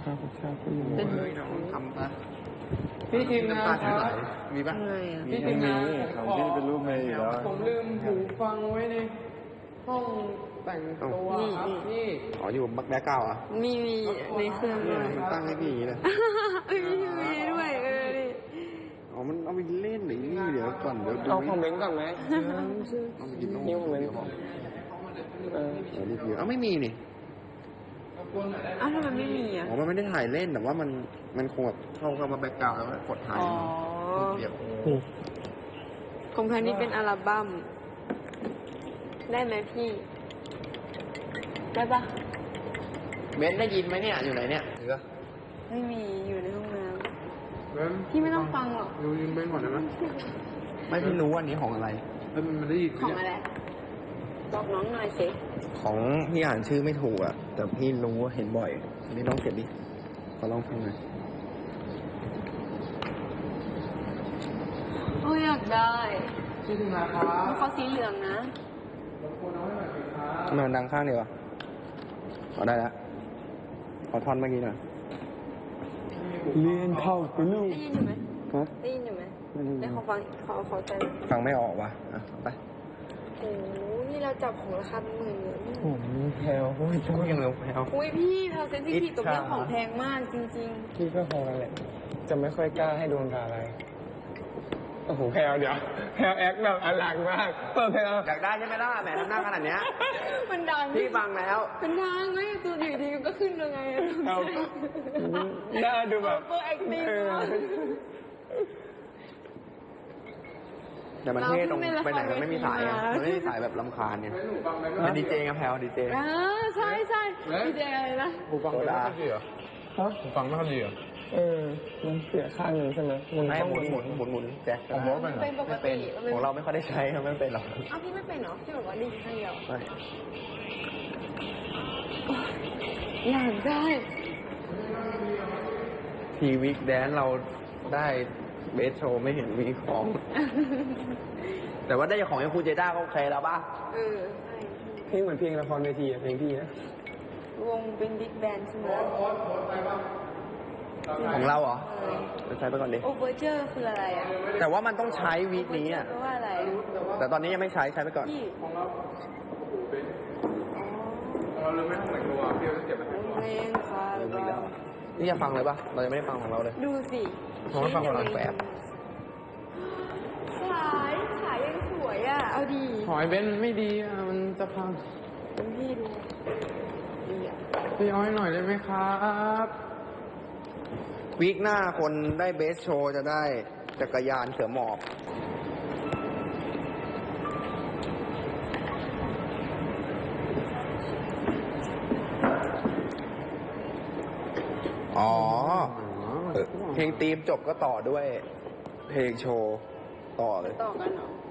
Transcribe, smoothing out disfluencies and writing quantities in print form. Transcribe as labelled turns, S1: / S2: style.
S1: าพุชาพุโย
S2: เป็นน้องทำปะ
S3: พี่ทีมงานครับ
S2: มีปะ
S4: อะไรอ่ะ
S3: พี่ทีมงาน
S1: ของพี่เป็นรูปเมย์อยู่แล้ว
S3: ผมลืมหูฟังไว้ในห้องแต่งตัวครับพี่
S2: อ๋ออยู่บักแบ๊กเก้าอ่ะ
S4: มีในเครื่องด้วย
S2: มันตั้งให้พี่อย่างนี้เลย
S4: มีด้วยนี่
S2: อ๋อมันเอาไปเล่นหรือนี่เดี๋ยวก่อนเดี๋ยวดู
S1: เอาของเบนก่อนไหม
S2: เอาไปกินนม
S1: นิ้วเหมือน
S2: เดี๋ยวบอก
S1: เออ
S2: เดี๋ยวรีวิวไม่มีนี่
S4: อ้าวทำไมไม่มีอ่ะ
S2: อ๋อมันไม่ได้ถ่ายเล่นแต่ว่ามันคงแบบเข้ามาแบ็กกราวด์แล้วก็กดถ่าย
S4: อ๋อ
S2: เดี๋ยว
S4: ของแพนนี่เป็นอัลบั้มได้ไหมพี่ ได้ปะ
S2: เบนได้ยินไหมเนี่ยอยู่ไหนเนี่ยหรือ
S4: ไม่มีอยู่ในห้องน้
S3: เบิ้ม
S4: ำพี่ไม่ต้องฟังหรอก
S3: ดูยิงเบิ้มก่อนได้ไหม
S2: ไม่พี่รู้อันนี้ของอะไร
S3: เบิ้มมันได้ยิน
S4: ของอะไรบอกน้องหน่อยสิ
S2: ของพี่อ่านชื่อไม่ถูกอ่ะแต่พี่รู้ว่าเห็นบ่อยอันนี้ลองเก็บดิขอลองฟังหน่อย
S4: โอ้ยอยากได้
S3: พี่ทีมงานครับ
S4: มันเขาสีเหลืองนะ
S3: รบกวนเอาให้หน่อยสิครับ
S2: ทำไมมันดังข้างเดียวอ่ะเอาได้แล้วขอท่อนเมื่อกี้หน่อย
S1: เรียนเข้าไปลูก
S4: ได้ยินอยู่ไหม
S1: ฮะ
S4: ได้ยินอยู่ไหม
S1: ไม่ได้ยิน
S4: ได้ขอฟังขอใจ
S2: ฟังไม่ออกว่ะอ่ะไป
S4: โอ้โหนี่เราจับของราคาเป็นหมื่นเลย
S1: โอ้โหแพลวโอ้ย
S2: พูดยังเร็วแพลว
S4: อุ้ยพี่แพลเซนซิทีฟกับเรื่องของแพงมากจริง
S1: พี่ก็พอกันแหละจะไม่ค่อยกล้าให้โดนด่าอะไรโอ้โหแพลวเดี๋ยวแพลวแอคแบบอลังมากเปิดแพลว
S2: อยากได้ใช่ไหมล่ะแหมทำหน้าขนาดเนี้ย
S4: ๆ มันดัง
S2: พี่ฟังแล้ว
S4: มันดังไม่ตัวอยู่ดีก็ขึ้นยังไงอะ
S1: เอาหน้าดูแบบ
S4: เปิดแอคติ้ง
S2: แต่มันเท่ตรงไปไหนมันไม่มีสายอ่ะมันไม่มีสายแบบลำคาญเนี่ย
S3: เบิ้มหนูฟังไหม
S2: เป็นดีเจไงแพลวดีเจ
S4: อ่าใช่ใช่ดีเจอะไรนะ
S3: หูฟังไม่ค่อยดีเหรอ
S1: ฮะ
S3: หูฟังไม่ค่อยดีเหรอ
S1: มันเสียข้างหนึ่งใช่ไหมมัน
S2: ให้
S1: ต้อง
S2: หมุนแจ็ค
S3: ผมว่าเป็นเหรอ
S4: เป็นปก
S2: ไม่เป็น
S4: ติ
S2: ของเราไม่ค่อยได้ใช้ครับไม่เป็นหรอก
S4: อ้าวพี่ไม่เป็นเหรอพี่บอกว่าดีข้างเดียว
S2: ไม่
S4: อยากได้
S2: ทีวิกแดนเราได้เบสโชว์ไม่เห็นมีของ แต่ว่าได้ของไอ้ครูเจด้าก็โอเคแล้วป่ะ
S4: เออใช่
S1: เพลงเหมือนเพลงละครเวทีอะเพลงพี่นะ
S4: วงเป็นบิ๊กแบนด์ใช่ไหม
S2: ของเราเหรอไปใช้ไปก่อนดิ
S4: โอเวอร์เจอร์คืออะไรอ่ะ
S2: แต่ว่ามันต้องใช้วีคนี้อ่ะ
S4: แปลว่าอะไร
S2: แต่ตอนนี้ยังไม่ใช้ไปก่อน
S4: พี่
S3: เราลืมไม่ห้องแต่งตัวพี่เราต้องเก็บไปให้
S4: เพลงค่ะ
S2: ลืมอีกแล้ว นี่จะฟังเลยป่ะ เรายังไม่ได้ฟังของเราเลย
S4: ดูสิ
S2: ผมว่าฟังคนละแบบ
S4: ฉายยังสวยอ่ะ เอาดี
S3: หอยเบิ้มไม่ดีอ่ะมันจะพัง
S4: เป็นพี่ดูดีอ่ะ
S3: พี่เอาให้หน่อยได้ไหมครับ
S2: วีคหน้าคนได้เบสโชว์จะได้จักรยานเสือหมอบ อ๋อเพลงธีมจบก็ต่อด้วย เพลงโชว์ต่อเลย
S4: ต่อกันเหรอ